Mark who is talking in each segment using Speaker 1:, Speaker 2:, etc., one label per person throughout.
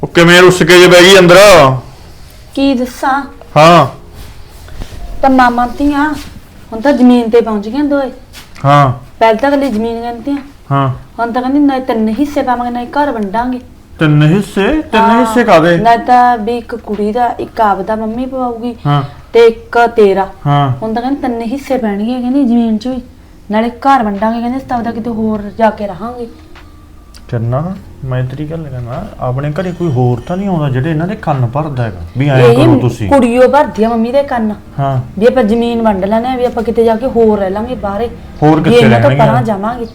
Speaker 1: ਕਿਵੇਂ ਰੁੱਸ ਕੇ ਜੇ ਬਹਿ ਗਈ ਅੰਦਰ?
Speaker 2: ਕੀ ਦੱਸਾਂ?
Speaker 1: ਹਾਂ
Speaker 2: ਤਾਂ ਮਾਮਾ ਧੀਆਂ ਹੁਣ ਤਾਂ ਜ਼ਮੀਨ ਤੇ ਪਹੁੰਚ ਗਈਆਂ ਦੋਏ।
Speaker 1: ਹਾਂ
Speaker 2: ਪਹਿਲਾਂ ਤਾਂ ਕੱਲੀ ਜ਼ਮੀਨ ਕਹਿੰਦੀ ਆ,
Speaker 1: ਹਾਂ।
Speaker 2: ਹੁਣ ਤਾਂ ਕਹਿੰਦੀ ਨਾ ਤਿੰਨ ਹਿੱਸੇ ਪਾਵਾਂਗੇ ਨਾ ਘਰ ਵੰਡਾਂਗੇ।
Speaker 1: ਤਿੰਨ ਹਿੱਸੇ ਕਾਦੇ?
Speaker 2: ਨਾ ਤਾਂ ਵੀ ਇੱਕ ਕੁੜੀ ਦਾ ਇੱਕ ਆਪਦਾ ਮੰਮੀ ਪਵਾਉਗੀ
Speaker 1: ਹਾਂ
Speaker 2: ਤੇ ਇੱਕ ਤੇਰਾ।
Speaker 1: ਹਾਂ
Speaker 2: ਹੁਣ ਤਾਂ ਕਹਿੰਦੀ ਤਿੰਨ ਹਿੱਸੇ ਪੈਣਗੇ ਕਹਿੰਦੀ ਜ਼ਮੀਨ 'ਚ ਵੀ, ਨਾਲੇ ਘਰ ਵੰਡਾਂਗੇ ਕਹਿੰਦੇ ਸਤਾਵ ਦਾ ਕਿਤੇ ਹੋਰ ਜਾ ਕੇ ਰਹਾਂਗੇ।
Speaker 1: ਚੰਨਾ ਮੈਂ ਤੇਰੀ ਗੱਲ ਕਹਿਣਾ, ਆਪਣੇ ਘਰੇ ਕੋਈ ਹੋਰ ਤਾਂ ਨਹੀਂ ਆਉਂਦਾ ਜਿਹੜੇ ਇਹਨਾਂ ਦੇ ਕੰਨ ਭਰਦਾ ਹੈਗਾ ਵੀ ਐਂ ਕਰੋ ਤੁਸੀਂ?
Speaker 2: ਕੁੜੀਓ ਭਰਦੀ ਆ ਮੰਮੀ ਦੇ ਕੰਨ
Speaker 1: ਹਾਂ
Speaker 2: ਵੀ ਆਪਾਂ ਜ਼ਮੀਨ ਵੰਡ ਲੈਣੇ ਵੀ ਆਪਾਂ ਕਿਤੇ ਜਾ ਕੇ ਹੋਰ ਰਹਿ ਲਾਂਗੇ ਬਾਹਰੇ।
Speaker 1: ਹੋਰ ਕਿੱਥੇ
Speaker 2: ਇਹਨਾਂ ਤੋਂ
Speaker 1: ਰਹਿਣਗੇ?
Speaker 2: ਪਰਾਂ ਜਾਵਾਂਗੇ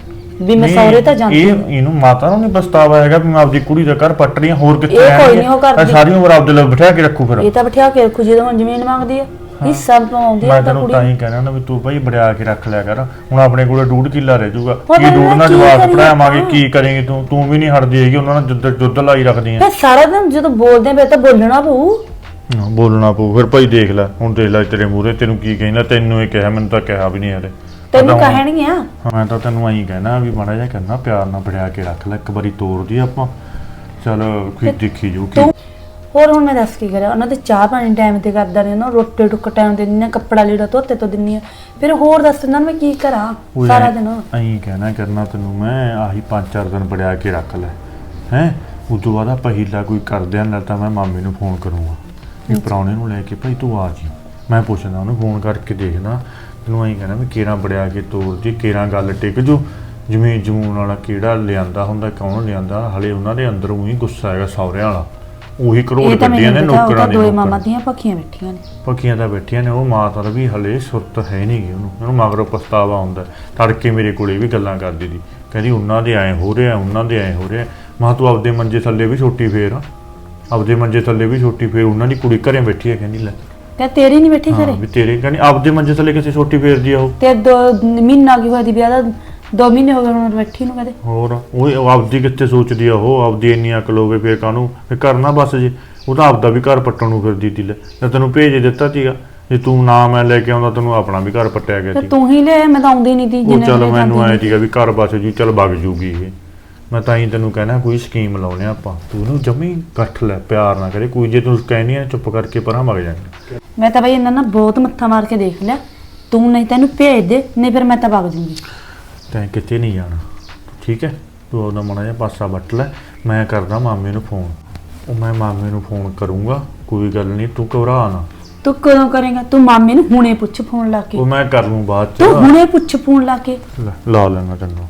Speaker 2: ਵੀ ਮੈਂ ਸਹੁਰੇ ਤਾਂ ਜਾਂਦੀ
Speaker 1: ਇਹਨੂੰ ਮਾਤਾ ਨੂੰ ਨਹੀਂ ਪਛਤਾਵਾ ਹੈਗਾ ਵੀ ਮੈਂ ਆਪਦੀ ਕੁੜੀ ਦਾ ਘਰ ਪੱਟ ਰਹੀ ਹਾਂ? ਹੋਰ ਕਿੱਥੇ
Speaker 2: ਇਹ ਕੋਈ ਨਹੀਂ ਉਹ ਕਰਦੀ,
Speaker 1: ਸਾਰੀ ਉਮਰ ਆਪਦੇ ਲਈ ਬਿਠਾ ਕੇ ਰੱਖੂ ਫਿਰ।
Speaker 2: ਇਹ ਤਾਂ ਬਿਠਾ ਕੇ ਰੱਖੂ ਜਦੋਂ ਹੁਣ ਜ਼ਮੀਨ ਮੰਗਦੀ ਆ ਹਿੱਸਾ ਪਾਉਂਦੀ ਆ
Speaker 1: ਮੈਂ
Speaker 2: ਤਾਂ
Speaker 1: ਤੈਨੂੰ
Speaker 2: ਕੁੜੀ।
Speaker 1: ਤਾਂ ਹੀ ਕਹਿਣਾ ਨਾ ਵੀ ਤੂੰ ਭਾਈ ਬੜਿਆ ਕੇ ਰੱਖ ਲਿਆ ਕਰ। ਹੁਣ ਆਪਣੇ ਕੋਲੇ 2.5 ਕਿੱਲਾ ਰਹਿ ਜਾਊਗਾ,
Speaker 2: ਹੋਰ
Speaker 1: ਕੀ 2.5 ਨਾਲ
Speaker 2: ਕੀ
Speaker 1: ਜਵਾਬ
Speaker 2: ਕਰੀਏ
Speaker 1: ਪੜਾਵਾਂਗੇ?
Speaker 2: ਆਪਾਂ?
Speaker 1: ਕੀ ਕਰੇਂਗੀ ਤੂੰ ਵੀ ਨਹੀਂ ਹਟਦੀ ਹੈਗੀ ਉਹਨਾਂ ਨਾਲ ਜੁੱਧ ਲਾਈ ਰੱਖਦੀ
Speaker 2: ਫਿਰ ਸਾਰਾ ਦਿਨ ਜਦੋਂ ਬੋਲਦੇ ਪਏ ਤਾਂ ਬੋਲਣਾ ਪਊ।
Speaker 1: ਆ। ਬੋਲਣਾ ਪਊ ਫਿਰ ਭਾਈ। ਦੇਖ ਲੈ ਹੁਣ, ਦੇਖ ਲੈ ਤੇਰੇ ਮੂਹਰੇ ਤੈਨੂੰ ਕੀ ਕਹਿੰਦਾ। ਤੈਨੂੰ ਇਹ ਕਿਹਾ, ਮੈਨੂੰ ਤਾਂ ਕਿਹਾ ਵੀ ਨਹੀਂ ਹਲੇ।
Speaker 2: ਤੈਨੂੰ ਕਹਿਣਗੀਆਂ
Speaker 1: ਮੈਂ ਤਾਂ ਤੈਨੂੰ ਐਂ ਕਹਿਣਾ ਵੀ ਮਾੜਾ ਜਿਹਾ ਕਰਨਾ, ਪਿਆਰ ਨਾਲ ਬੜਿਆ ਕੇ ਰੱਖ ਲੈ। ਇੱਕ ਵਾਰੀ ਤੋਰਦੀ ਆਪਾਂ, ਚਲ ਕੋਈ ਦੇਖੀ ਜਾਊ ਕੀ।
Speaker 2: ਹੋਰ ਹੁਣ ਮੈਂ ਦੱਸ ਕੀ ਕਰਾਂ? ਉਹਨਾਂ ਦੇ ਚਾਹ ਪਾਣੀ ਟਾਈਮ ਤੇ ਕਰਦਾ ਨੇ ਨਾ, ਰੋਟੀ ਟੁੱਕ ਟਾਈਮ ਤੇ ਦਿੰਦੀ, ਕੱਪੜਾ ਲੀੜਾ ਧੋਤੇ ਤੋਂ ਦਿੰਨੀ ਆ। ਫਿਰ ਹੋਰ ਦੱਸ ਇਹਨਾਂ ਨੂੰ ਮੈਂ ਕੀ ਕਰਾਂ ਸਾਰਾ ਦਿਨ?
Speaker 1: ਐਂ ਕਹਿਣਾ ਕਰਨਾ ਤੈਨੂੰ ਮੈਂ, ਆਹੀ 5-4 ਦਿਨ ਬੜਿਆ ਕੇ ਰੱਖ ਲੈ ਹੈ। ਉਸ ਤੋਂ ਬਾਅਦ ਆਪਾਂ ਹੀਲਾ ਕੋਈ ਕਰਦੇ ਆਂ, ਨਾ ਤਾਂ ਮੈਂ ਮਾਮੇ ਨੂੰ ਫੋਨ ਕਰੂੰਗਾ ਵੀ ਪ੍ਰਾਹੁਣੇ ਨੂੰ ਲੈ ਕੇ ਭਾਈ ਤੂੰ ਆ ਜੀ। ਮੈਂ ਪੁੱਛਦਾ ਉਹਨੂੰ, ਫੋਨ ਕਰਕੇ ਦੇਖਦਾ। ਤੈਨੂੰ ਐਂ ਕਹਿਣਾ ਵੀ ਕੇਰਾਂ ਬੜਿਆ ਕੇ ਤੋਰ ਜੀ, ਕੇਰਾਂ ਗੱਲ ਟਿਕ ਜੂ। ਜ਼ਮੀਨ ਜਮੂਨ ਵਾਲਾ ਕਿਹੜਾ ਲਿਆਂਦਾ ਹੁੰਦਾ, ਕੌਣ ਲਿਆਂਦਾ? ਹਲੇ ਉਹਨਾਂ ਦੇ ਅੰਦਰ ਉਹੀ ਗੁੱਸਾ ਹੈਗਾ ਸਹੁਰਿਆਂ ਵਾਲਾ। ਉਹੀ ਕਰੋੜ ਗੱਡੀਆਂ ਨੇ ਨੌਕਰਾਂ
Speaker 2: ਦੋਏ ਮਾਮਾ ਦੀਆਂ ਪੱਖੀਆਂ ਬੈਠੀਆਂ ਨੇ।
Speaker 1: ਪੱਖੀਆਂ ਤਾਂ ਬੈਠੀਆਂ ਨੇ। ਉਹ ਮਾਤਾ ਦਾ ਵੀ ਹਲੇ ਸੁਰਤ ਹੈ ਨਹੀਂ ਗੀ ਉਹਨੂੰ ਮਗਰੋਂ ਪਛਤਾਵਾ ਹੁੰਦਾ। ਤੜਕੇ ਮੇਰੇ ਕੋਲੇ ਵੀ ਗੱਲਾਂ ਕਰਦੀ ਸੀ, ਕਹਿੰਦੀ ਉਹਨਾਂ ਦੇ ਐਂ ਹੋ ਰਿਹਾ, ਉਹਨਾਂ ਦੇ ਐਂ ਹੋ ਰਿਹਾ। ਮਾਂ ਤੂੰ ਆਪਦੇ ਮੰਜੇ ਥੱਲੇ ਵੀ ਛੋਟੀ ਫੇਰ, ਆਪਦੇ ਮੰਜੇ ਥੱਲੇ ਵੀ ਛੋਟੀ ਫੇਰ। ਉਹਨਾਂ ਦੀ ਕੁੜੀ ਘਰੇ ਬੈਠੀ ਹੈ, ਕਹਿੰਦੀ ਲੈ
Speaker 2: ਤੇ ਤੇਰੀ ਨਹੀਂ ਬੈਠੀ ਘਰੇ?
Speaker 1: ਵੀ ਤੇਰੇ ਕਹਿੰਦੀ ਆਪਦੇ ਮੰਜੇ ਥੱਲੇ ਕਿਸੇ ਛੋਟੀ ਫੇਰਦੀ ਆ ਉਹ।
Speaker 2: ਤੇ 2 ਮਹੀਨਾ ਕੀ ਹੋਇਆ ਦੀ ਵਿਆਹ ਦਾ? 2 ਮਹੀਨੇ ਹੋ ਗਏ ਹੁਣ ਬੈਠੀ ਨੂੰ ਕਦੇ।
Speaker 1: ਹੋਰ ਉਹ ਆਪਦੀ ਕਿੱਥੇ ਸੋਚਦੀ ਆ? ਉਹ ਆਪਦੀ ਇੰਨੀ ਅਕਲ ਹੋਵੇ ਫੇਰ ਕਾਹਨੂੰ ਕਰਨਾ ਬਸ ਜੀ। ਉਹ ਤਾਂ ਆਪਦਾ ਵੀ ਘਰ ਪੱਟਣ ਨੂੰ ਫਿਰਦੀ ਤੀ। ਲੈ ਤੈਨੂੰ ਭੇਜ ਦਿੱਤਾ ਸੀਗਾ, ਜੇ ਤੂੰ ਨਾ ਮੈਂ ਲੈ ਕੇ ਆਉਂਦਾ ਤੈਨੂੰ ਆਪਣਾ ਵੀ ਘਰ ਪੱਟਿਆ ਗਿਆ ਸੀ।
Speaker 2: ਤੂੰ ਹੀ ਲੈ, ਮੈਂ ਤਾਂ ਆਉਂਦੀ ਨਹੀਂ ਤੀ।
Speaker 1: ਉਹ ਚੱਲ ਮੈਨੂੰ ਆਇਆ ਸੀਗਾ ਵੀ ਘਰ ਬਸ ਜੀ, ਚੱਲ ਵਗ ਜੂਗੀ ਇਹ। ਮੈਂ ਤਾਂ ਹੀ ਤੈਨੂੰ ਕਹਿਣਾ ਕੋਈ ਸਕੀਮ ਲਾਉਣੇ ਆਪਾਂ। ਤੂੰ ਉਹਨੂੰ ਜਮੀ ਗੱਠ ਲੈ, ਪਿਆਰ ਨਾ ਕਰੇ ਕੋਈ। ਜੇ ਤੂੰ ਕਹਿਨੀ ਆ ਚੁੱਪ ਕਰਕੇ ਪਰਾਂ ਵਗ ਜਾਏਂਗੇ।
Speaker 2: ਮੈਂ ਤਾਂ ਬਈ ਇਹਨਾਂ ਨਾਲ ਬਹੁਤ ਮੱਥਾ ਮਾਰ ਕੇ ਦੇਖ ਲਿਆ। ਤੂੰ ਨਹੀਂ ਤੈਨੂੰ ਭੇਜ ਦੇ, ਨਹੀਂ ਫਿਰ ਮੈਂ ਤਾਂ ਵਗ ਜੂੰਗੀ।
Speaker 1: ਤੈਂ ਕਿਤੇ ਨਹੀਂ ਜਾਣਾ, ਠੀਕ ਹੈ? ਤੂੰ ਉਹਦਾ ਮਾੜਾ ਜਿਹਾ ਪਾਸਾ ਵੱਟ ਲੈ। ਮੈਂ ਕਰਦਾ ਮਾਮੇ ਨੂੰ ਫੋਨ। ਉਹ ਮੈਂ ਮਾਮੇ ਨੂੰ ਫੋਨ ਕਰੂੰਗਾ, ਕੋਈ ਗੱਲ ਨਹੀਂ, ਤੂੰ ਘਬਰਾ ਨਾ।
Speaker 2: ਤੂੰ ਕਦੋਂ ਕਰੇਗਾ? ਤੂੰ ਮਾਮੇ ਨੂੰ ਹੁਣੇ ਪੁੱਛ ਫੋਨ ਲਾ ਕੇ।
Speaker 1: ਉਹ ਮੈਂ ਕਰ ਲੂੰ ਬਾਅਦ ਚ।
Speaker 2: ਤੂੰ ਹੁਣੇ ਪੁੱਛ ਫੋਨ ਲਾ ਕੇ।
Speaker 1: ਲਾ ਲੈਣਾ ਤੈਨੂੰ।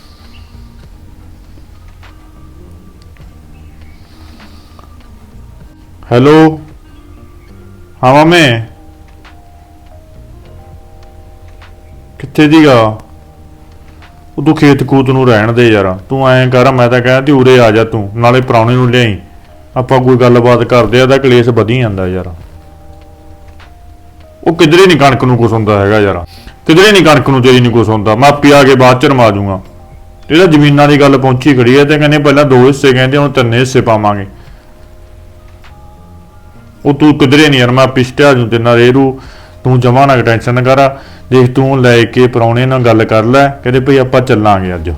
Speaker 1: ਹੈਲੋ, ਹਾਂ ਮਾਮੇ ਕਿੱਥੇ ਦੀਗਾ? ਉਹ ਤੂੰ ਖੇਤ ਕੂਤ ਨੂੰ ਰਹਿਣ ਦੇ ਯਾਰ। ਤੂੰ ਐਂ ਕਰ, ਮੈਂ ਤਾਂ ਕਹਿੰਦਾ ਉਰੇ ਆ ਜਾ ਤੂੰ, ਨਾਲੇ ਪ੍ਰਾਹੁਣੇ ਨੂੰ ਲਿਆਈ। ਆਪਾਂ ਕੋਈ ਗੱਲਬਾਤ ਕਰਦੇ ਆ, ਤਾਂ ਕਲੇਸ਼ ਵਧੀ ਜਾਂਦਾ ਯਾਰ। ਉਹ ਕਿਧਰੇ ਨਹੀਂ ਕਣਕ ਨੂੰ ਕੁਛ ਹੁੰਦਾ ਹੈਗਾ ਯਾਰ, ਕਿਧਰੇ ਨਹੀਂ ਕਣਕ ਨੂੰ ਤੇਰੀ ਨਹੀਂ ਕੁਛ ਹੁੰਦਾ। ਮੈਂ ਆਪੇ ਆ ਕੇ ਬਾਅਦ ਚ ਰਮਾ ਜੂਗਾ। ਇਹਦਾ ਜ਼ਮੀਨਾਂ ਦੀ ਗੱਲ ਪਹੁੰਚੀ ਖੜੀ ਹੈ ਤੇ ਕਹਿੰਦੇ ਪਹਿਲਾਂ 2 ਹਿੱਸੇ, ਕਹਿੰਦੇ ਹੁਣ 3 ਹਿੱਸੇ ਪਾਵਾਂਗੇ। ਉਹ ਤੂੰ ਕਿਧਰੇ ਨਹੀਂ ਯਾਰ, ਮੈਂ ਪਿਛਟਿਆ ਜੂ ਤੇ ਨਾ ਰੇਰੂ। ਤੂੰ ਜਮਾ ਨਾ ਟੈਨਸ਼ਨ ਕਰ। ਦੇਖ ਤੂੰ ਲੈ ਕੇ ਪ੍ਰਾਹੁਣੇ ਨਾਲ ਗੱਲ ਕਰ ਲੈ, ਕਹਿੰਦੇ ਭਈ ਆਪਾਂ ਚੱਲਾਂਗੇ ਅੱਜ।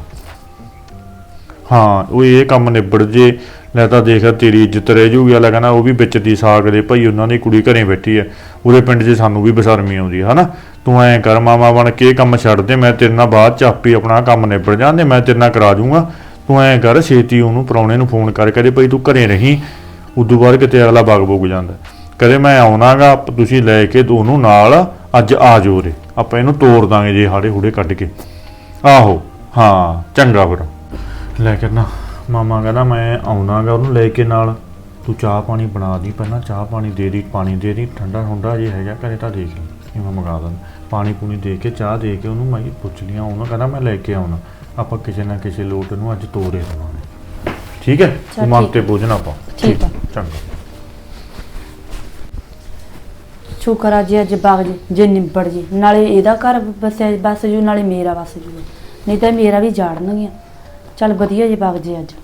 Speaker 1: ਹਾਂ ਉਹ ਇਹ ਕੰਮ ਨਿਬੜ ਜੇ ਲੈ ਤਾਂ ਦੇਖ ਤੇਰੀ ਇੱਜ਼ਤ ਰਹਿ ਜੂਗੀ। ਅਗਲਾ ਕਹਿੰਦਾ ਉਹ ਵੀ ਵਿੱਚ ਦੀ ਸਾਗ ਦੇ ਭਾਈ, ਉਹਨਾਂ ਦੀ ਕੁੜੀ ਘਰੇ ਬੈਠੀ ਹੈ। ਉਹਦੇ ਪਿੰਡ 'ਚ ਸਾਨੂੰ ਵੀ ਬਸਰਮੀ ਆਉਂਦੀ ਹੈ ਨਾ। ਤੂੰ ਐਂ ਕਰ ਮਾਮਾ ਬਣ ਕੇ ਇਹ ਕੰਮ ਛੱਡ ਦੇ, ਮੈਂ ਤੇਰੇ ਨਾਲ ਬਾਅਦ 'ਚ ਆਪੇ ਆਪਣਾ ਕੰਮ ਨਿਬੜ ਜਾਂਦੇ, ਮੈਂ ਤੇਰੇ ਨਾਲ ਕਰਾ ਜੂੰਗਾ। ਤੂੰ ਐਂ ਕਰ ਛੇਤੀ ਉਹਨੂੰ ਪ੍ਰਾਹੁਣੇ ਨੂੰ ਫੋਨ ਕਰ, ਕਹਿੰਦੇ ਭਾਈ ਤੂੰ ਘਰੇ ਰਹੀਂ। ਉਦੋਂ ਬਾਅਦ ਕਿਤੇ ਅਗਲਾ ਬਗ ਬੁੱਗ ਜਾਂਦਾ, ਕਦੇ ਮੈਂ ਆਉਣਾਗਾ, ਤੁਸੀਂ ਲੈ ਕੇ ਉਹਨੂੰ ਨਾਲ ਅੱਜ ਆ ਜਾਓ ਰੇ, ਆਪਾਂ ਇਹਨੂੰ ਤੋੜ ਦਾਂਗੇ ਜੇ ਹਾੜੇ ਹੂੜੇ ਕੱਢ ਕੇ। ਆਹੋ ਹਾਂ ਚੰਗਾ ਫਿਰ। ਲੈ ਕੇ ਨਾ ਮਾਮਾ ਕਹਿੰਦਾ ਮੈਂ ਆਉਣਾਗਾ ਉਹਨੂੰ ਲੈ ਕੇ ਨਾਲ। ਤੂੰ ਚਾਹ ਪਾਣੀ ਬਣਾ ਦੀ, ਪਹਿਲਾਂ ਚਾਹ ਪਾਣੀ ਦੇ ਦੀ, ਪਾਣੀ ਦੇ ਦੀ, ਠੰਡਾ ਠੰਡਾ ਜੇ ਹੈਗਾ ਘਰੇ ਤਾਂ ਦੇਖ ਲਈ, ਮੈਂ ਮੰਗਾ ਦਿੰਦਾ। ਪਾਣੀ ਪੂਣੀ ਦੇ ਕੇ ਚਾਹ ਦੇ ਕੇ ਉਹਨੂੰ ਮੈਂ ਪੁੱਛ ਲਿਆ। ਉਹਨੂੰ ਕਹਿੰਦਾ ਮੈਂ ਲੈ ਕੇ ਆਉਣਾ, ਆਪਾਂ ਕਿਸੇ ਨਾ ਕਿਸੇ ਲੋਟ ਨੂੰ ਅੱਜ ਤੋੜੇ ਦੇਵਾਂਗੇ, ਠੀਕ ਹੈ? ਤੂੰ ਮਨ ਤੇ ਬੋਝ ਨਾ ਪਾ,
Speaker 2: ਠੀਕ ਹੈ?
Speaker 1: ਚੰਗਾ।
Speaker 2: ਸ਼ੁਕਰ ਆ ਜੀ ਅੱਜ ਬਾਗ ਜੇ ਨਿਬੜ ਜੇ, ਨਾਲੇ ਇਹਦਾ ਘਰ ਬਸ ਜੂ, ਨਾਲੇ ਮੇਰਾ ਬਸ ਜੂ, ਨਹੀਂ ਤਾਂ ਮੇਰਾ ਵੀ ਜਾੜਨਗੀਆਂ। ਚੱਲ ਵਧੀਆ ਜੇ ਬਾਗ ਜੇ ਅੱਜ।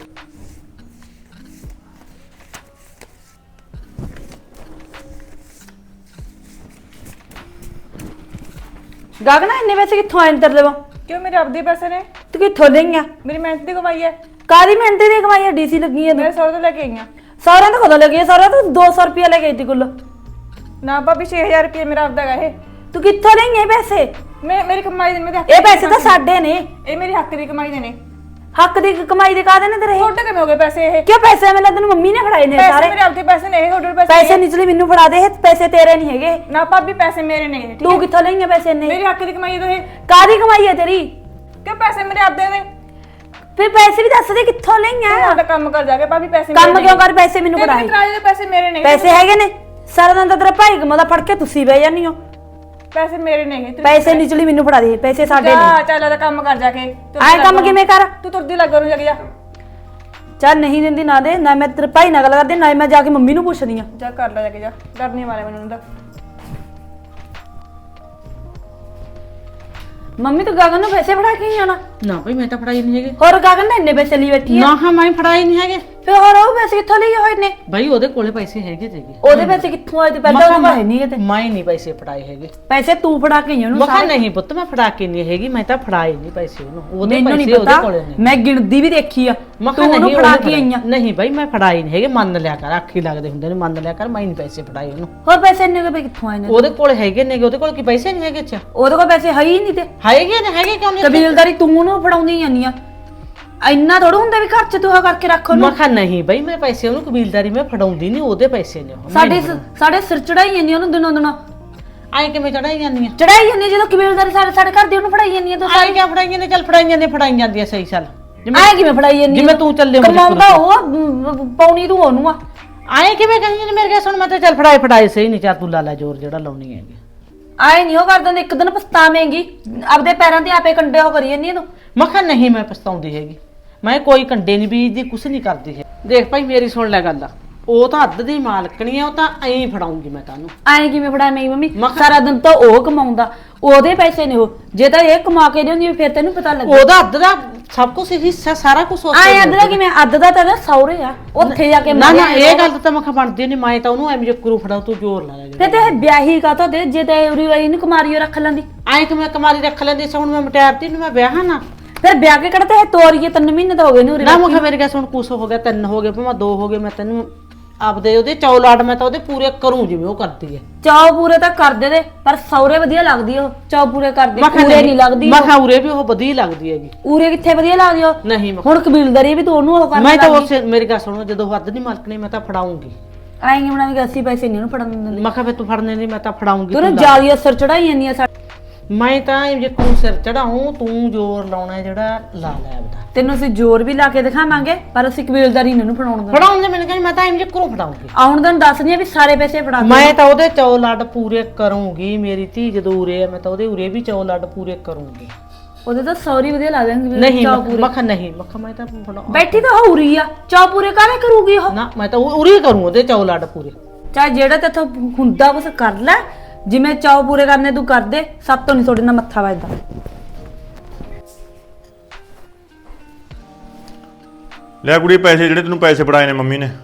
Speaker 2: ਗਗਨਾ ਇੰਨੇ ਪੈਸੇ ਕਿੱਥੋਂ ਆਏ ਅੰਦਰ ਦੇਵਾਂ?
Speaker 3: क्यों मेरे अपने पैसे ने?
Speaker 2: तू कित्थों लईआं?
Speaker 3: मेरी मेहनत की कमाई है।
Speaker 2: ਕਾਦੀ ਮਿਹਨਤ ਦੀ ਕਮਾਈ ਡੀਸੀ ਲੱਗੀ ਹੈ
Speaker 3: ਮੇਰੇ ਸਹੁਰੇ ਤੋਂ ਲੈ ਕੇ ਆਈਆਂ।
Speaker 2: ਸਾਰਿਆਂ ਤੋਂ ਕਦੋਂ ਲੱਗੀ ਹੈ? ਸਾਰਿਆਂ ਤੋਂ 200 ਰੁਪਏ ਲੈ ਕੇ ਆਈ ਤੀ ਕੁੱਲ।
Speaker 3: ਨਾ ਭਾਬੀ 6000 ਰੁਪਏ ਮੇਰਾ ਆਪਦਾ ਹੈਗਾ ਇਹ।
Speaker 2: ਤੂੰ ਕਿੱਥੋਂ ਲਈ ਇਹ ਪੈਸੇ?
Speaker 3: ਮੇਰੀ ਕਮਾਈ ਦੇ ਮੇਰੇ ਹੱਕ
Speaker 2: ਇਹ ਪੈਸੇ ਤਾਂ ਸਾਡੇ ਨੇ।
Speaker 3: ਇਹ ਮੇਰੀ ਹੱਕ ਦੀ ਕਮਾਈ ਦੇ ਨੇ।
Speaker 2: ਹੱਕ ਦੀ ਕਮਾਈ ਦੇ ਕਾਦੇ ਨੇ ਤੇਰੇ?
Speaker 3: ਤੁਹਾਡੇ ਕਿਵੇਂ ਹੋ ਗਏ ਪੈਸੇ ਇਹ?
Speaker 2: ਕਿਉਂ ਪੈਸੇ ਮੈਨੂੰ ਤੈਨੂੰ ਮੰਮੀ ਨੇ ਫੜਾਏ ਨੇ
Speaker 3: ਪੈਸੇ
Speaker 2: ਸਾਰੇ।
Speaker 3: ਮੇਰੇ ਆਪਦੇ ਪੈਸੇ ਨੇ ਇਹ, ਤੁਹਾਡੇ ਪੈਸੇ
Speaker 2: ਪੈਸੇ ਨਿਚਲੇ ਮੈਨੂੰ ਫੜਾ ਦੇ, ਇਹ ਪੈਸੇ ਤੇਰੇ ਨਹੀਂ ਹੈਗੇ।
Speaker 3: ਨਾ ਭਾਬੀ ਪੈਸੇ ਮੇਰੇ ਨੇ ਇਹ, ਠੀਕ
Speaker 2: ਤੂੰ
Speaker 3: ਹੈ?
Speaker 2: ਕਿੱਥੋਂ ਲਈਆਂ ਪੈਸੇ ਨੇ?
Speaker 3: ਮੇਰੀ ਹੱਕ ਦੀ ਕਮਾਈ ਦੇ ਇਹ।
Speaker 2: ਕਾਦੀ ਕਮਾਈ ਹੈ ਤੇਰੀ?
Speaker 3: ਕਿ ਪੈਸੇ ਮੇਰੇ ਆਪਦੇ ਨੇ।
Speaker 2: ਫਿਰ ਪੈਸੇ ਵੀ ਦੱਸ ਦੇ ਕਿੱਥੋਂ ਲਈਆਂ?
Speaker 3: ਤੁਹਾਡਾ ਕੰਮ ਕਰ ਜਾ ਕੇ ਭਾਬੀ ਪੈਸੇ
Speaker 2: ਕੰਮ ਕਿਉਂ ਕਰ? ਪੈਸੇ ਮੈਨੂੰ
Speaker 3: ਤੇਰੇ
Speaker 2: ਫੜਾਏ।
Speaker 3: ਕਿਰਾਏ ਦੇ ਪੈਸੇ ਮੇਰੇ ਨੇ।
Speaker 2: ਪੈਸੇ ਹੈਗੇ ਨੇ। ਸਾਰਾ ਦਿਨ ਤਾਂ ਤੇਰਾ ਭਾਈ ਕਮਾਉਂਦਾ, ਫੜ ਕੇ ਤੁਸੀਂ ਬਹਿ ਜਾਂਦੀ ਹੋ।
Speaker 3: ਪੈਸੇ ਮੇਰੇ ਨੇ ਇਹ।
Speaker 2: ਪੈਸੇ ਨਿਚਲੀ ਮੈਨੂੰ ਫੜਾ ਦੇ, ਪੈਸੇ ਸਾਡੇ
Speaker 3: ਜਾ
Speaker 2: ਨੇ।
Speaker 3: ਚੱਲ ਇਹਦਾ ਕੰਮ ਕਰ ਜਾ ਕੇ।
Speaker 2: ਆਏ ਕੰਮ ਕਿਵੇਂ ਕਰ?
Speaker 3: ਤੂੰ ਤੁਰਦੀ ਲੱਗ ਰੂ ਜਾ।
Speaker 2: ਚੱਲ ਨਹੀਂ ਦਿੰਦੀ ਨਾ ਦੇ, ਨਾ ਮੈਂ ਤੇਰੇ ਭਾਈ ਨਾਲ ਗੱਲ ਕਰਦੀ, ਨਾ ਮੈਂ ਜਾ ਕੇ ਮੰਮੀ ਨੂੰ ਪੁੱਛਦੀ ਆ।
Speaker 3: ਜਾ ਕਰ ਲੈ ਜਾ ਕੇ ਜਾ, ਡਰ ਨਹੀਂ ਮਾਰਿਆ ਮੈਨੂੰ ਉਹਦਾ।
Speaker 2: ਮੰਮੀ ਤੂੰ ਗਗਨ ਨੂੰ ਪੈਸੇ ਫੜਾ ਕੇ ਹੀ ਆਣਾ।
Speaker 4: ਨਾ ਭਾਈ ਮੈਂ ਤਾਂ ਫੜਾਈ ਨਹੀਂ ਹੈਗੇ।
Speaker 2: ਹੋਰ ਗਗਨ ਨੇ ਇੰਨੇ ਪੈਸੇ ਲਈ ਬੈਠੀ ਆ।
Speaker 4: ਨਾ ਹਾਂ ਮੈਂ ਫੜਾਈ ਨਹੀਂ ਹੈਗੇ।
Speaker 2: ਫਿਰ ਹੋਰ ਉਹ ਪੈਸੇ ਕਿੱਥੋਂ ਲਏ ਹੋਏ ਨੇ?
Speaker 4: ਭਾਈ ਉਹਦੇ ਕੋਲੇ ਪੈਸੇ ਹੈਗੇ ਤੇਗੇ।
Speaker 2: ਉਹਦੇ ਪੈਸੇ ਕਿੱਥੋਂ ਆਏ ਤੇ ਪਹਿਲਾਂ ਉਹ ਹੈ ਨਹੀਂ ਤੇ
Speaker 4: ਮੈਂ ਨਹੀਂ ਪੈਸੇ ਫੜਾਏ ਹੈਗੇ।
Speaker 2: ਪੈਸੇ ਤੂੰ ਫੜਾ ਕੇ ਆਈ ਉਹਨੂੰ
Speaker 4: ਮੈਂ ਕਿਹਾ
Speaker 2: ਸਾਰੇ।
Speaker 4: ਨਹੀਂ ਪੁੱਤ ਮੈਂ ਫੜਾ ਕੇ ਨਹੀਂ ਹੈਗੀ, ਮੈਂ ਤਾਂ ਫੜਾਏ ਨਹੀਂ ਪੈਸੇ ਉਹਨੂੰ। ਉਹਦੇ
Speaker 2: ਮੈਨੂੰ ਨਹੀਂ
Speaker 4: ਪੈਸੇ ਉਹਦੇ
Speaker 2: ਪਤਾ,
Speaker 4: ਕੋਲੇ ਨੇ।
Speaker 2: ਮੈਂ ਗਿਣਦੀ ਵੀ ਦੇਖੀ ਆ।
Speaker 4: ਮੈਂ
Speaker 2: ਤੂੰ
Speaker 4: ਕਿਹਾ
Speaker 2: ਉਹਨੂੰ
Speaker 4: ਨਹੀਂ
Speaker 2: ਫੜਾ ਕੇ ਆਈਆਂ।
Speaker 4: ਨਹੀਂ ਭਾਈ ਮੈਂ ਫੜਾਏ ਨਹੀਂ ਹੈਗੇ, ਮੰਨ ਲਿਆ ਕਰ, ਆਖੀ ਲੱਗਦੇ ਹੁੰਦੇ ਨੇ, ਮੰਨ ਲਿਆ ਕਰ, ਮੈਂ ਨਹੀਂ ਪੈਸੇ ਫੜਾਏ ਉਹਨੂੰ।
Speaker 2: ਹੋਰ ਪੈਸੇ ਇੰਨੇ ਕੁ ਕਿੱਥੋਂ ਆਏ ਨੇ?
Speaker 4: ਉਹਦੇ ਕੋਲ ਹੈਗੇ ਨੇਗੇ, ਉਹਦੇ ਕੋਲ ਕੀ ਪੈਸੇ ਨਹੀਂ ਹੈਗੇ? ਅੱਛਾ
Speaker 2: ਉਹਦੇ ਕੋਲ ਪੈਸੇ ਹੈ ਹੀ ਨਹੀਂ ਤੇ
Speaker 4: ਹੈਗੇ ਨੇ, ਹੈਗੇ ਕਿਉਂ ਨਹੀਂ?
Speaker 2: ਕਬੀਲਦਾਰੀ ਤੂੰ ਉਹਨੂੰ ਫੜਾਉਂਦੀ ਜਾਂਦੀ ਆ। ਇੰਨਾ ਥੋੜਾ ਹੁੰਦਾ ਵੀ ਘਰ ਚ ਤੂੰ ਆ ਕਰਕੇ ਰੱਖ ਉਹਨੂੰ।
Speaker 4: ਮੈਂ ਕਿਹਾ ਨਹੀਂ ਭਾਈ ਮੈਂ ਪੈਸੇ ਉਹਨੂੰ ਕਬੀਲਦਾਰੀ ਮੈਂ ਫੜਾਉਂਦੀ ਨਹੀਂ, ਉਹਦੇ ਪੈਸੇ ਨੇ ਉਹ।
Speaker 2: ਸਾਡੇ ਸਿਰ ਚੜਾਈ ਜਾਂਦੀ ਉਹਨੂੰ ਦਿਨੋਂ ਦਿਨ।
Speaker 4: ਆਏ ਕਿਵੇਂ ਚੜਾਈ ਜਾਂਦੀਆਂ?
Speaker 2: ਚੜਾਈ ਜਾਂਦੀ ਜਦੋਂ ਕਬੀਲਦਾਰੀ ਸਾਡੇ ਘਰ ਦੀ ਉਹਨੂੰ ਫੜਾਈ ਜਾਂਦੀ ਆ। ਤੂੰ
Speaker 4: ਆਏ ਕਿਆ ਫੜਾਈਆਂ ਨੇ? ਚੱਲ ਫੜਾਈਆਂ ਨੇ, ਫੜਾਈ ਜਾਂਦੀਆਂ ਸਹੀ ਚੱਲ।
Speaker 2: ਆਏ ਕਿਵੇਂ ਫੜਾਈ ਜਾਂਦੀ?
Speaker 4: ਜਿਵੇਂ ਤੂੰ ਚੱਲੇ
Speaker 2: ਕਮਾਉਂਦਾ ਉਹ ਪਾਉਣੀ ਤੂੰ ਉਹਨੂੰ ਆ।
Speaker 4: ਆਏ ਕਿਵੇਂ ਕਹੀਏ ਨੇ ਮੇਰੇ ਕੇ ਸੁਣ, ਮੈਂ ਤਾਂ ਚੱਲ ਫੜਾਏ ਸਹੀ ਨਹੀਂ, ਚਾਹ ਤੂੰ ਲਾਲਾ ਜ਼ੋਰ ਜਿਹੜਾ ਲਾਉਣੀ ਹੈਗੀ।
Speaker 2: ਆਏ ਨਹੀਂ ਉਹ ਕਰ ਦਿੰਦੇ, ਇੱਕ ਦਿਨ ਪਛਤਾਵੇਂਗੀ। ਆਪਦੇ ਪੈਰਾਂ ਤੇ ਆਪੇ ਕੰਡੇ ਹੋ ਕਰੀ ਜਾਂਦੀ ਤੂੰ।
Speaker 4: ਮੈਂ ਕਿਹਾ ਨਹੀਂ ਮੈਂ ਪਛਤਾਉਂਦੀ ਹੈਗੀ, ਮੈਂ ਕੋਈ ਕੰਡੇ ਨਹੀਂ ਬੀਜਦੀ, ਕੁਛ ਨਹੀਂ ਕਰਦੀ ਹੈ। ਦੇਖ ਭਾਈ ਮੇਰੀ ਸੁਣ ਲੈ ਗੱਲ, ਉਹ ਤਾਂ ਅੱਧ ਦੀ ਮਾਲਕਣੀ ਆ, ਉਹ ਤਾਂ ਐਂ ਫੜਾਉਂਗੀ ਮੈਂ ਤੁਹਾਨੂੰ।
Speaker 2: ਆਏ ਕਿਵੇਂ ਫੜਾ ਮੇਰੀ ਮੰਮੀ?
Speaker 4: ਮੈਂ ਕਿਹਾ-
Speaker 2: ਸਾਰਾ ਦਿਨ ਤਾਂ ਉਹ ਕਮਾਉਂਦਾ, ਉਹਦੇ ਪੈਸੇ ਨੇ ਉਹ। ਜੇ ਤਾਂ ਇਹ ਕਮਾ ਕੇ ਦਿੰਦੀ ਫਿਰ ਤੈਨੂੰ ਪਤਾ ਲੱਗੇ।
Speaker 4: ਉਹਦਾ ਅੱਧ ਦਾ ਸਭ ਕੁਝ ਹਿੱਸਾ, ਸਾਰਾ ਕੁਝ
Speaker 2: ਆਏ ਅੱਧ ਦਾ ਕਿਵੇਂ? ਅੱਧ ਦਾ ਤਾਂ ਸੌਰੇ ਆ, ਉੱਥੇ ਜਾ ਕੇ
Speaker 4: ਨਾ ਨਾ
Speaker 2: ਮਾਰਿਆ
Speaker 4: ਇਹ ਗੱਲ ਤਾਂ ਮੈਂ ਕਿਹਾ ਬਣਦੀ ਨਹੀਂ, ਮੈਂ ਤਾਂ ਉਹਨੂੰ ਐਵੇਂ ਜੱਕਰੂ ਫੜਾਉ, ਤੂੰ ਜ਼ੋਰ ਲਾ ਲੈ।
Speaker 2: ਫਿਰ ਤੇ ਵਿਆਹੀ ਕਾ ਤਾਂ ਦੇ, ਜੇ ਤੇ ਉਰੀ ਵਾਲੀ ਨੂੰ ਕੁਮਾਰੀ ਰੱਖ ਲੈਂਦੀ।
Speaker 4: ਐਂ ਕਿ ਮੈਂ ਕਮਾਰੀ ਰੱਖ ਲੈਂਦੀ ਸੀ, ਹੁਣ ਮੈਂ ਮਟਿਆਰਤੀ ਨੂੰ ਮੈਂ ਵਿਆਹਾਂ ਨਾ।
Speaker 2: ਫਿਰ ਵਿਆਹ ਕੇ ਕਿਹੜਾ ਤੇ ਤੋਰੀਏ 3 ਮਹੀਨੇ ਤਾਂ ਹੋ ਗਏ ਨੇ ਉਰੇ।
Speaker 4: ਨਾ ਮੈਂ ਕਿਹਾ ਮੇਰੇ ਕੇ ਸੁਣ, ਕੁਛ ਹੋ ਗਿਆ, 3 ਹੋ ਗਏ, ਭਾਵੇਂ 2 ਹੋ ਗਏ, ਮੈਂ ਤੈਨੂੰ ਆਪਦੇ ਉਹਦੇ ਚੌਲਾਟ ਮੈਂ ਤਾਂ ਉਹਦੇ ਪੂਰੇ ਕਰੂੰ ਜਿਵੇਂ ਉਹ ਕਰਦੀ ਹੈ।
Speaker 2: ਚਾਅ ਪੂਰੇ ਤਾਂ ਕਰਦੇ ਦੇ, ਪਰ ਸੌਰੇ ਵਧੀਆ ਲੱਗਦੀ ਉਹ। ਚਾਅ ਪੂਰੇ ਕਰਦੇ, ਪੂਰੇ ਨਹੀਂ ਲੱਗਦੀ।
Speaker 4: ਮੈਂ ਕਿਹਾ ਉਰੇ ਵੀ ਉਹ ਵਧੀਆ ਲੱਗਦੀ ਹੈਗੀ।
Speaker 2: ਉਰੇ ਕਿੱਥੇ ਵਧੀਆ ਲੱਗਦੀ ਉਹ?
Speaker 4: ਨਹੀਂ ਮੈਂ
Speaker 2: ਹੁਣ ਕਬੀਲਦਾਰੀ ਵੀ ਤੂੰ ਉਹਨੂੰ ਉਹ ਕਰਨਾ
Speaker 4: ਮੈਂ ਤਾਂ ਉਸੇ ਮੇਰੀ ਗੱਲ ਸੁਣੋ, ਜਦੋਂ ਹੱਦ ਨਹੀਂ ਮਾਲਕਣੀ ਮੈਂ ਤਾਂ ਫੜਾਉਂਗੀ।
Speaker 2: ਆਏਂਗੇ ਬਣਾਵੇਂਗੇ 80 ਪੈਸੇ ਨਹੀਂ ਉਹਨੂੰ ਫੜਨ ਦਿੰਦੇ।
Speaker 4: ਮੈਂ ਕਿਹਾ ਫੇ ਤੂੰ ਫੜਨੇ ਨਹੀਂ, ਮੈਂ ਤਾਂ ਫੜਾਉਂਗੀ।
Speaker 2: ਤੂੰ ਜਾਲੀ ਅਸਰ ਚੜਾਈ ਜਾਂਦੀ ਆ।
Speaker 4: ਮੈਂ ਤਾਂ ਜੇ ਤੂੰ ਸਿਰ ਚੜਾਉਂ, ਤੂੰ ਜ਼ੋਰ ਲਾਉਣਾ ਜਿਹੜਾ ਲਾ ਲੈ ਆਪਦਾ।
Speaker 2: ਤੈਨੂੰ ਅਸੀਂ ਜ਼ੋਰ ਵੀ ਲਾ ਕੇ ਦਿਖਾਵਾਂਗੇ, ਪਰ ਅਸੀਂ ਕਬੀਲਦਾਰੀ ਨਹੀਂ ਉਹਨੂੰ ਫੜਾਉਣ ਦਿੰਦੇ।
Speaker 4: ਫੜਾਉਂਦੇ ਮੈਨੂੰ ਕਹਿੰਦੀ ਮੈਂ ਤਾਂ ਐਂ ਜੇ ਕਰੂੰ ਫੜਾਉਂਗੀ।
Speaker 2: ਆਉਣ ਦਿਨ ਦੱਸਦੀ ਆ ਵੀ ਸਾਰੇ ਪੈਸੇ ਫੜਾ ਦੇ।
Speaker 4: ਮੈਂ ਤਾਂ ਉਹਦੇ ਚੌਲਾਟ ਪੂਰੇ ਕਰੂੰਗੀ, ਮੇਰੀ ਧੀ ਜਦੋਂ ਉਰੇ ਆ ਮੈਂ ਤਾਂ ਉਹਦੇ ਉਰੇ ਵੀ ਚੌਲਾਟ ਪੂਰੇ ਕਰੂੰਗੀ।
Speaker 2: ਉਹਦੇ ਤਾਂ ਸੌਰੀ ਵਧੀਆ ਲਾ ਦੇਣਗੇ।
Speaker 4: ਨਹੀਂ ਮੈਂ ਕਿਹਾ ਨਹੀਂ, ਮੈਂ ਕਿਹਾ ਮੈਂ ਤਾਂ ਫੜਾਉਂ।
Speaker 2: ਬੈਠੀ ਤਾਂ ਹੋਰੀ ਆ, ਚਾਅ ਪੂਰੇ ਕਾਹਦੇ ਕਰੂਗੀ ਉਹ?
Speaker 4: ਨਾ ਮੈਂ ਤਾਂ ਉਰੇ ਕਰੂੰ ਉਹਦੇ ਚੌਲਾਟ ਪੂਰੇ।
Speaker 2: ਚਾਹੇ ਜਿਹੜਾ ਤੇਥੋਂ ਹੁੰਦਾ ਕੁਛ ਕਰ ਲੈ, ਜਿਵੇਂ ਚਾਅ ਪੂਰੇ ਕਰਨੇ ਤੂੰ ਕਰ ਦੇ। ਸਭ ਤੋਂ ਨਹੀਂ ਤੁਹਾਡੇ ਨਾਲ ਮੱਥਾ ਵੱਜਦਾ।
Speaker 1: ਲੈ ਕੁੜੀ ਪੈਸੇ ਜਿਹੜੇ ਤੈਨੂੰ ਪੈਸੇ ਫੜਾਏ ਨੇ ਮੰਮੀ ਨੇ।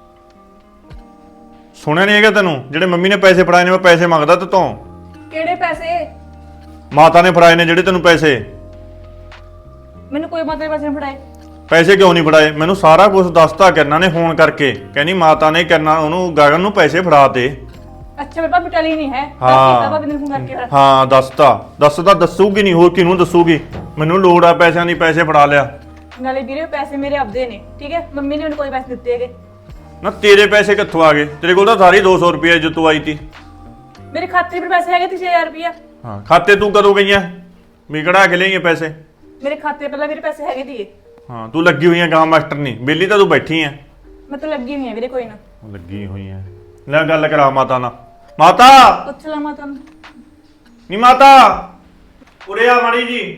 Speaker 1: ਸੁਣਿਆ ਨਹੀਂ ਹੈਗਾ ਤੈਨੂੰ? ਜਿਹੜੇ ਮੰਮੀ ਨੇ ਪੈਸੇ ਫੜਾਏ ਨੇ, ਮੈਂ ਪੈਸੇ ਮੰਗਦਾ ਤੇ ਤੋਂ।
Speaker 3: ਕਿਹੜੇ ਪੈਸੇ?
Speaker 1: ਮਾਤਾ ਨੇ ਫੜਾਏ ਨੇ ਜਿਹੜੇ ਤੈਨੂੰ ਪੈਸੇ।
Speaker 3: ਮੈਨੂੰ ਕੋਈ ਮਾਤਰੇ ਪੈਸੇ ਨਹੀਂ ਫੜਾਏ।
Speaker 1: ਪੈਸੇ ਕਿਉਂ ਨਹੀਂ ਫੜਾਏ? ਮੈਨੂੰ ਸਾਰਾ ਕੁਝ ਦੱਸਤਾ ਕਿਰਨਾ ਨੇ ਫੋਨ ਕਰਕੇ। ਕਹਿੰਦੀ ਮਾਤਾ ਨੇ ਕਿਰਨਾ ਉਹਨੂੰ ਗਗਨ ਨੂੰ ਪੈਸੇ ਫੜਾਤੇ।
Speaker 3: ਅੱਛਾ ਮੇਰੇ ਭਾਬੀ ਟਲੀ ਨਹੀਂ ਹੈ।
Speaker 1: ਹਾਂ।
Speaker 3: ਭਾਬੀ ਨੇ ਫੋਨ ਕਰਕੇ ਫਿਰ।
Speaker 1: ਹਾਂ ਦੱਸਦਾ ਦੱਸੂਗੀ ਨਹੀਂ, ਹੋਰ ਕਿਹਨੂੰ ਦੱਸੂਗੀ? ਮੈਨੂੰ ਲੋੜ ਆ ਪੈਸਿਆਂ ਦੀ, ਪੈਸੇ ਫੜਾ ਲਿਆ।
Speaker 3: ਨਾਲੇ ਵੀਰੇ ਪੈਸੇ ਮੇਰੇ ਆਪਦੇ ਨੇ, ਠੀਕ ਹੈ? ਮੰਮੀ ਨੇ ਮੈਨੂੰ ਕੋਈ ਪੈਸੇ ਦਿੱਤੇ ਹੈਗੇ।
Speaker 1: ਨਾ ਤੇਰੇ ਪੈਸੇ ਕਿੱਥੋਂ ਆ ਗਏ? ਤੇਰੇ ਕੋਲ ਤਾਂ ਸਾਰੀ 200 ਰੁਪਏ ਜੋ ਤੂੰ ਆਈ ਤੀ।
Speaker 3: ਮੇਰੇ ਖਾਤੇ 'ਚ ਪੈਸੇ ਹੈਗੇ 6000 ਰੁਪਇਆ।
Speaker 1: ਹਾਂ ਖਾਤੇ ਤੂੰ ਕਦੋਂ ਗਈਆਂ? ਵੀ ਕਢਾ ਕੇ ਲਈਏ ਪੈਸੇ?
Speaker 3: ਮੇਰੇ ਖਾਤੇ ਪਹਿਲਾਂ ਮੇਰੇ ਪੈਸੇ ਹੈਗੇ ਦੀਏ।
Speaker 1: ਹਾਂ ਤੂੰ ਲੱਗੀ ਹੋਈ ਆ ਗਾਂ ਮਾਸਟਰ ਨਹੀਂ, ਬੇਲੀ ਤਾਂ ਤੂੰ ਬੈਠੀ ਆ।
Speaker 3: ਮੈਂ ਤਾਂ ਲੱਗੀ ਹੋਈ ਆ ਵੀਰੇ, ਕੋਈ ਨਾ।
Speaker 1: ਲੱਗੀ ਹੋਈ ਆ। ਲੈ ਗੱਲ ਕਰਾ ਮਾਤਾ ਨਾਲ। ਮਾਤਾ
Speaker 3: ਪੁੱਛ ਲਾ ਮਾਤਾ ਨੂੰ।
Speaker 1: ਨੀ ਮਾਤਾ ਉਰੇ ਆ ਮਾੜੀ ਜੀ।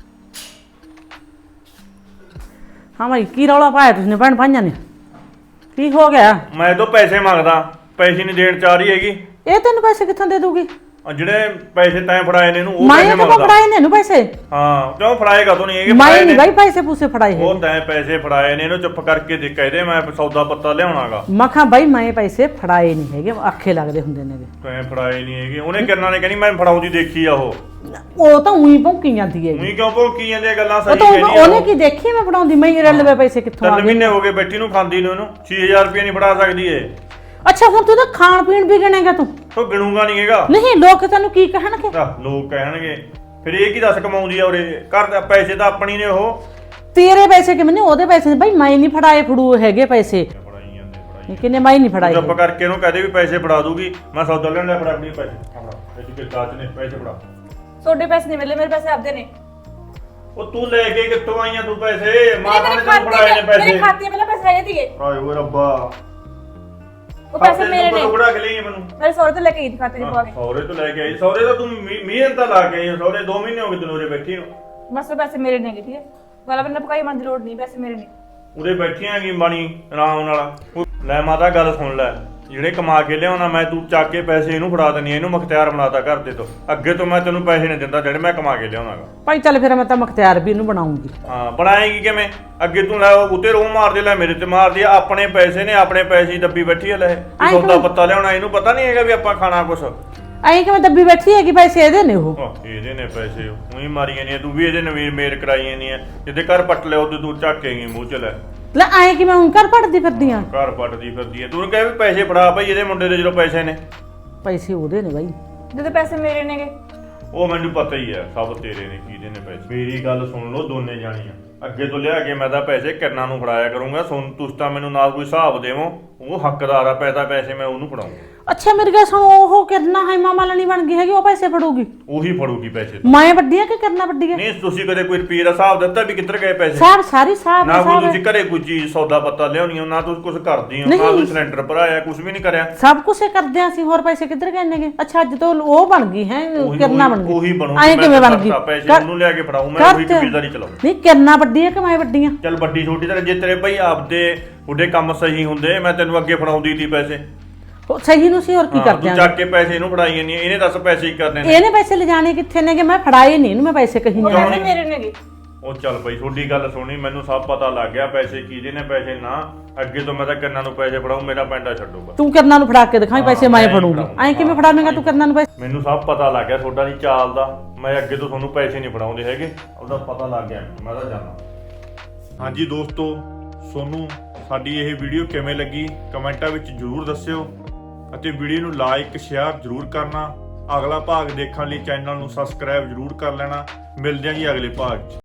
Speaker 4: ਹਾਂ ਭਾਈ ਕੀ ਰੌਲਾ ਪਾਇਆ ਤੁਸੀਂ ਭੈਣ ਭਾਈਆਂ ਨੇ? ਕੀ ਹੋ ਗਿਆ?
Speaker 1: ਮੈਂ ਤੋਂ ਪੈਸੇ ਮੰਗਦਾ, ਪੈਸੇ ਨਹੀਂ ਦੇਣ ਚਾਹ ਰਹੀ ਹੈਗੀ।
Speaker 4: ਇਹ ਤੈਨੂੰ ਪੈਸੇ ਕਿੱਥੋਂ ਦੇ ਦੂਗੀ?
Speaker 1: ਜਿਹੜੇ ਪੈਸੇ ਤੈਂ ਫੜਾਏ ਨੇ ਇਹਨੂੰ ਉਹ
Speaker 4: ਮੈਂ
Speaker 1: ਪੈਸੇ
Speaker 4: ਕਿਉਂ
Speaker 1: ਮੰਗਦਾ
Speaker 4: ਫੜਾਏ ਨੇ ਇਹਨੂੰ ਪੈਸੇ?
Speaker 1: ਹਾਂ ਕਿਉਂ ਫੜਾਏਗਾ ਤੂੰ ਨਹੀਂ ਹੈਗੇ
Speaker 4: ਮੈਂ
Speaker 1: ਫੜਾਏ
Speaker 4: ਨਹੀਂ
Speaker 1: ਨੇ
Speaker 4: ਬਾਈ ਪੈਸੇ ਪੂਸੇ ਫੜਾਏ
Speaker 1: ਉਹ
Speaker 4: ਹੈਗੇ।
Speaker 1: ਤੈਂ ਪੈਸੇ ਫੜਾਏ ਨੇ ਇਹਨੂੰ ਚੁੱਪ ਕਰਕੇ ਦੇ ਕਹਦੇ ਮੈਂ ਸੌਦਾ ਪੱਤਾ ਲਿਆਉਣਾਗਾ
Speaker 4: ਮੈਂ ਕਿਹਾ ਬਾਈ ਮੈਂ ਪੈਸੇ ਫੜਾਏ ਨਹੀਂ ਹੈਗੇ, ਆਖੇ ਲੱਗਦੇ ਹੁੰਦੇ ਨੇਗੇ।
Speaker 1: ਤੈਂ ਫੜਾਏ ਨਹੀਂ ਹੈਗੇ ਉਹਨੇ ਕਿਰਨਾਂ ਨੇ ਕਹਿੰਦੀ ਮੈਂ ਫੜਾਉਂਦੀ ਦੇਖੀ ਆ
Speaker 4: ਉਹ ਤਾਂ ਉਹੀ ਭੌਂਕੀ ਜਾਂਦੀ ਹੈਗੀ।
Speaker 1: ਉਹੀ ਕਿਉਂ ਭੌਂਕੀ ਜਾਂਦੀਆਂ ਗੱਲਾਂ
Speaker 4: ਉਹ
Speaker 1: ਸਹੀ
Speaker 4: ਤਾਂ
Speaker 1: ਕਹਿੰਦੀ
Speaker 4: ਉਹਨੇ ਕੀ ਦੇਖੀ ਮੈਂ ਫੜਾਉਂਦੀ? ਮੈਂ ਰਲਵੇ ਪੈਸੇ ਕਿੱਥੋਂ ਆ
Speaker 1: 3
Speaker 4: ਗਏ?
Speaker 1: ਮਹੀਨੇ ਹੋ ਗਏ ਬੈਠੀ ਨੂੰ ਖਾਂਦੀ ਨੂੰ ਇਹਨੂੰ 6000 ਰੁਪਏ ਨਹੀਂ ਫੜਾ ਸਕਦੀ ਏ
Speaker 4: ਅੱਛਾ ਹੁਣ ਤੂੰ ਤਾਂ ਖਾਣ ਪੀਣ ਵੀ ਗਿਣੇਗਾ ਤੂੰ?
Speaker 1: ਤੂੰ ਗਿਣੂਗਾ ਨਹੀਂ ਹੈਗਾ
Speaker 4: ਨਹੀਂ ਲੋਕ ਤੈਨੂੰ ਕੀ ਕਹਿਣਗੇ?
Speaker 1: ਲੋਕ ਕਹਿਣਗੇ ਫਿਰ ਇਹ ਕੀ ਦੱਸ ਕਮਾਉਂਦੀ ਆ ਉਰੇ ਘਰ ਦਾ ਪੈਸੇ ਤਾਂ ਆਪਣੀ ਨੇ ਉਹ
Speaker 4: ਤੇਰੇ ਪੈਸੇ ਕਿਵੇਂ ਨੇ? ਉਹਦੇ ਪੈਸੇ ਬਾਈ ਮੈਂ ਨਹੀਂ ਫੜਾਏ, ਫੜੂ ਹੈਗੇ ਪੈਸੇ
Speaker 1: ਫੜਾਈ ਜਾਂਦੇ ਫੜਾਈ
Speaker 4: ਕਿੰਨੇ ਮੈਂ ਨਹੀਂ ਫੜਾਏ।
Speaker 1: ਚੁੱਪ ਕਰਕੇ ਇਹਨੂੰ ਕਹਦੇ ਵੀ ਪੈਸੇ ਫੜਾ ਦੂਗੀ ਮੈਂ ਸੌਦਾ ਲੈਣ ਲੈ ਫੜਾ ਆਪਣੀ ਪੈਸੇ ਫੜਾ ਇਹ ਕਿ ਦਾਚ ਨੇ ਪੈਸੇ ਫੜਾ
Speaker 3: ਤੁਹਾਡੇ ਪੈਸੇ ਨਹੀਂ ਮਿਲੇ, ਮੇਰੇ ਪੈਸੇ ਆਪਦੇ ਨੇ।
Speaker 1: ਉਹ ਤੂੰ ਲੈ ਕੇ ਕਿੱਥੋਂ ਆਈਆਂ ਤੂੰ ਪੈਸੇ ਮਾਤਾ ਨੇ ਤੈਨੂੰ ਫੜਾਏ ਨੇ
Speaker 3: ਮੇਰੇ
Speaker 1: ਪੈਸੇ
Speaker 3: ਖਾਤੇ ਪਹਿਲਾਂ ਪੈਸੇ ਹੈਗੇ ਸੀਗੇ,
Speaker 1: ਆਏ ਓਏ ਰੱਬਾ
Speaker 3: ਉਹ ਪੈਸੇ ਮੇਰੇ ਨੇ।
Speaker 1: ਟੁਕੜਾ ਕੇ ਲਈ ਮੈਨੂੰ
Speaker 3: ਮੇਰੇ ਸਹੁਰੇ ਤੋਂ ਲੈ ਕੇ ਗਈ ਸੀ ਖਾਤੇ 'ਚ ਪਵਾ ਕੇ।
Speaker 1: ਸੌਰੇ ਤੋਂ ਲੈ ਕੇ ਆਈ ਸੌਰੇ ਤਾਂ ਤੂੰ ਮਿਹਨਤ ਤਾਂ ਲਾ ਕੇ ਆਈ ਸੌਰੇ 2 ਮਹੀਨੇ ਹੋ ਗਏ ਤੈਨੂੰ ਉਰੇ ਬੈਠੀ ਨੂੰ
Speaker 3: ਬਸ ਉਹ ਪੈਸੇ ਮੇਰੇ ਨੇਗੇ, ਠੀਕ ਹੈ। ਵਾਲਾ ਬੰਦਾ ਪਕਾਈ ਮਨ ਦੀ ਲੋੜ ਨਹੀਂ, ਪੈਸੇ ਮੇਰੇ ਨੇ।
Speaker 1: ਉਰੇ ਬੈਠੀਆਂ ਕੀ ਬਾਣੀ ਆਰਾਮ ਨਾਲ ਲੈ ਮਾਤਾ ਗੱਲ ਸੁਣ ਲੈ ਜਿਹੜੇ ਕਮਾ ਕੇ ਲਿਆਉਣਾ ਮੈਂ ਤੂੰ ਚੱਕ ਕੇ ਪੈਸੇ ਇਹਨੂੰ ਫੜਾ ਦੇਣੀ ਇਹਨੂੰ ਮੁਖਤਿਆਰ ਬਣਾਤਾ ਘਰ ਦੇ ਤੋਂ ਅੱਗੇ ਤੋਂ ਮੈਂ ਤੈਨੂੰ ਪੈਸੇ ਨਹੀਂ ਦਿੰਦਾ ਜਿਹੜੇ ਮੈਂ ਕਮਾ ਕੇ ਲਿਆਉਣਾਗਾ
Speaker 4: ਭਾਈ ਚੱਲ ਫਿਰ ਮੈਂ ਤਾਂ ਮੁਖਤਿਆਰ ਵੀ ਇਹਨੂੰ ਬਣਾਉਂਗੀ।
Speaker 1: ਹਾਂ ਬਣਾਏਗੀ ਕਿਵੇਂ ਅੱਗੇ ਤੂੰ ਲੈ ਉੱਤੇ ਰੋਹ ਮਾਰਦੇ ਲੈ ਮੇਰੇ ਤੇ ਮਾਰਦੀ ਆ ਆਪਣੇ ਪੈਸੇ ਨੇ ਆਪਣੇ ਪੈਸੇ ਹੀ ਦੱਬੀ ਬੈਠੀ ਆ ਲੈ ਇਹ ਸੌਦਾ ਪੱਤਾ ਲਿਆਉਣਾ ਇਹਨੂੰ ਪਤਾ ਨਹੀਂ ਹੈਗਾ ਵੀ ਆਪਾਂ ਖਾਣਾ ਕੁਛ
Speaker 4: ਐਂ ਕਿਵੇਂ ਦੱਬੀ ਬੈਠੀ ਹੈਗੀ? ਪੈਸੇ ਇਹਦੇ ਨੇ ਉਹ।
Speaker 1: ਇਹਦੇ ਨੇ ਪੈਸੇ ਉਹੀ ਮਾਰੀਆਂ ਨਹੀਂ ਤੂੰ ਵੀ ਇਹਦੇ ਨਵੀਰ ਮੇਰ ਕਰਾਈਆਂ ਨਹੀਂ ਜਿਹਦੇ ਘਰ ਪੱਟ ਲਿਆ ਉਹਦੇ ਤੂੰ ਝਾਕੇਗੀ ਮੂੰਹ ਚ ਲੈ
Speaker 4: ਲੈ ਐਂ ਕਿਵੇਂ ਹੁਣ ਘਰ ਪੜਦੀ ਫਿਰਦੀ ਆ?
Speaker 1: ਘਰ ਪੱਟਦੀ ਫਿਰਦੀ ਹੈ ਤੂੰ ਕਹੇ ਵੀ ਪੈਸੇ ਫੜਾ ਭਾਈ ਇਹਦੇ ਮੁੰਡੇ ਦੇ ਜਦੋਂ ਪੈਸੇ ਨੇ
Speaker 4: ਪੈਸੇ ਉਹਦੇ ਨੇ ਬਾਈ।
Speaker 3: ਜਦੋਂ ਪੈਸੇ ਮੇਰੇ ਨੇਗੇ।
Speaker 1: ਉਹ ਮੈਨੂੰ ਪਤਾ ਹੀ ਹੈ ਸਭ ਤੇਰੇ ਨੇ ਕਿਹਦੇ ਨੇ ਪੈਸੇ ਮੇਰੀ ਗੱਲ ਸੁਣ ਲਓ ਦੋਨੇ ਜਾਣੀਆਂ ਅੱਗੇ ਤੋਂ ਲਿਆ ਕੇ ਮੈਂ ਤਾਂ ਪੈਸੇ ਕਿਰਨਾਂ ਨੂੰ ਫੜਾਇਆ ਕਰੂੰਗਾ ਸੁਣ ਤੁਸੀਂ ਤਾਂ ਮੈਨੂੰ ਨਾ ਕੋਈ ਹਿਸਾਬ ਦੇਵੋ ਉਹ ਹੱਕਦਾਰ ਆ ਪੈਸੇ ਮੈਂ ਉਹਨੂੰ ਫੜਾਉਂਗਾ
Speaker 4: ਅੱਛਾ ਮੇਰੇ ਕੋਲ ਸੁਣ ਉਹ ਕਿਰਨਾ ਹੈ ਮਾਮਾ ਲਣੀ ਬਣ ਗਈ ਹੈਗੀ ਉਹ ਪੈਸੇ ਫੜੂਗੀ?
Speaker 1: ਉਹੀ ਫੜੂਗੀ ਪੈਸੇ
Speaker 4: ਮੈਂ ਵੱਡੀ ਆ ਕਿ ਕਰਨਾ ਵੱਡੀ ਆ?
Speaker 1: ਨਹੀਂ ਤੁਸੀਂ ਕਦੇ ਕੋਈ ਰੁਪਏ ਦਾ ਹਿਸਾਬ ਦਿੱਤਾ ਵੀ ਕਿੱਧਰ ਗਏ ਪੈਸੇ
Speaker 4: ਸਾਰ ਸਾਰੀ ਸਾਬ
Speaker 1: ਨਾ ਕੋਈ ਤੁਸੀਂ ਘਰੇ ਕੋਈ ਚੀਜ਼ ਸੌਦਾ ਪੱਤਾ ਲਿਆਉਣੀ ਨਾ ਤੁਸੀਂ ਕੁਝ ਕਰਦੀ ਹੋ ਨਾ ਤੁਸੀਂ ਸਿਲੰਡਰ ਭਰਾਇਆ ਕੁਝ ਵੀ ਨਹੀਂ ਕਰਿਆ
Speaker 4: ਸਭ ਕੁਝ ਕਰਦੇ ਆ ਅਸੀਂ ਹੋਰ ਪੈਸੇ ਕਿੱਧਰ ਗਏ ਨੇਗੇ? ਅੱਛਾ ਅੱਜ ਤੋਂ ਉਹ ਬਣ ਗਈ ਹੈ ਕਿਰਨਾ ਬਣ ਗਈ।
Speaker 1: ਉਹੀ ਬਣੂ
Speaker 4: ਐਂ ਕਿਵੇਂ ਬਣ ਗਈ?
Speaker 1: ਪੈਸੇ ਉਹਨੂੰ ਲਿਆ ਕੇ ਫੜਾਉ ਮੈਂ ਉਹੀ ਕਬੀਲਦਾਰੀ ਚਲਾਉ
Speaker 4: ਨਹੀਂ ਕਿਰਨਾ ਵੱਡੀ ਆ ਕਿ ਮੈਂ ਵੱਡੀ ਆ?
Speaker 1: ਚੱਲ ਵੱਡੀ ਛੋਟੀ ਤਾਂ ਜੇ ਤੇਰੇ ਭਾਈ ਆਪਦੇ ਉਹਦੇ ਕੰਮ ਸਹੀ ਹੁੰਦੇ ਮੈਂ ਤੈਨੂੰ ਅੱਗੇ ਫੜਾਉਂਦੀ ਸੀ ਪੈਸੇ
Speaker 4: ਉਹ ਸਹੀ ਨੂੰ ਸੀ ਹੋਰ ਕੀ ਕਰਦੇ
Speaker 1: ਤੂੰ
Speaker 4: ਆ?
Speaker 1: ਚੱਕ ਕੇ ਪੈਸੇ ਇਹਨੂੰ ਫੜਾਈ ਨਹੀਂ ਇਹਨੇ ਦੱਸ ਪੈਸੇ ਕੀ ਕਰਨੇ ਨੇ
Speaker 4: ਇਹਨੇ ਪੈਸੇ ਲਿਜਾਣੇ ਕਿੱਥੇ ਨੇਗੇ? ਮੈਂ ਫੜਾਏ ਨਹੀਂ ਇਹਨੂੰ ਮੈਂ ਪੈਸੇ ਕਹੀ
Speaker 3: ਉਹ
Speaker 4: ਨਹੀਂ।
Speaker 3: ਪੈਸੇ ਮੇਰੇ ਨੇਗੇ।
Speaker 1: ਉਹ ਚੱਲ ਬਈ ਤੁਹਾਡੀ ਗੱਲ ਸੁਣੀ ਮੈਨੂੰ ਸਭ ਪਤਾ ਲੱਗ ਗਿਆ ਪੈਸੇ ਕਿਹਦੇ ਨੇ ਪੈਸੇ ਨਾ ਅੱਗੇ ਤੋਂ ਮੈਂ ਤਾਂ ਕੰਨਾਂ ਨੂੰ ਪੈਸੇ ਫੜਾਉ ਮੇਰਾ ਪੈਂਡਾ ਛੱਡੂਗਾ
Speaker 4: ਤੂੰ ਕਿਰਨਾ ਨੂੰ ਫੜਾ ਕੇ ਦਿਖਾਈ ਪੈਸੇ ਮੈਂ ਫੜੂੰਗੀ। ਐਂ ਕਿਵੇਂ ਫੜਾਵੇਂਗਾ ਤੂੰ ਕਿਰਨਾ ਨੂੰ ਪੈਸੇ?
Speaker 1: ਮੈਨੂੰ ਸਭ ਪਤਾ ਲੱਗ ਗਿਆ ਤੁਹਾਡਾ ਦੀ ਚਾਲ ਦਾ ਮੈਂ ਅੱਗੇ ਤੋਂ ਤੁਹਾਨੂੰ ਪੈਸੇ ਨਹੀਂ ਫੜਾਉਂਦੇ ਹੈਗੇ ਉਹਦਾ ਪਤਾ ਲੱਗ ਗਿਆ ਮੈਂ ਤਾਂ ਜਾਣਾ ਹਾਂਜੀ ਦੋਸਤੋ ਤੁਹਾਨੂੰ ਸਾਡੀ ਇਹ ਵੀਡੀਓ ਕਿਵੇਂ ਲੱਗੀ ਕਮੈਂਟਾਂ ਵਿੱਚ ਜ਼ਰੂਰ ਦੱਸਿਓ ਅਤੇ ਵੀਡੀਓ ਨੂੰ ਲਾਈਕ ਸ਼ੇਅਰ ਜ਼ਰੂਰ ਕਰਨਾ ਅਗਲਾ ਭਾਗ ਦੇਖਣ ਲਈ ਚੈਨਲ ਨੂੰ ਸਬਸਕ੍ਰਾਈਬ ਜ਼ਰੂਰ ਕਰ ਲੈਣਾ ਮਿਲਦੇ ਹਾਂ ਜੀ ਅਗਲੇ ਭਾਗ 'ਚ।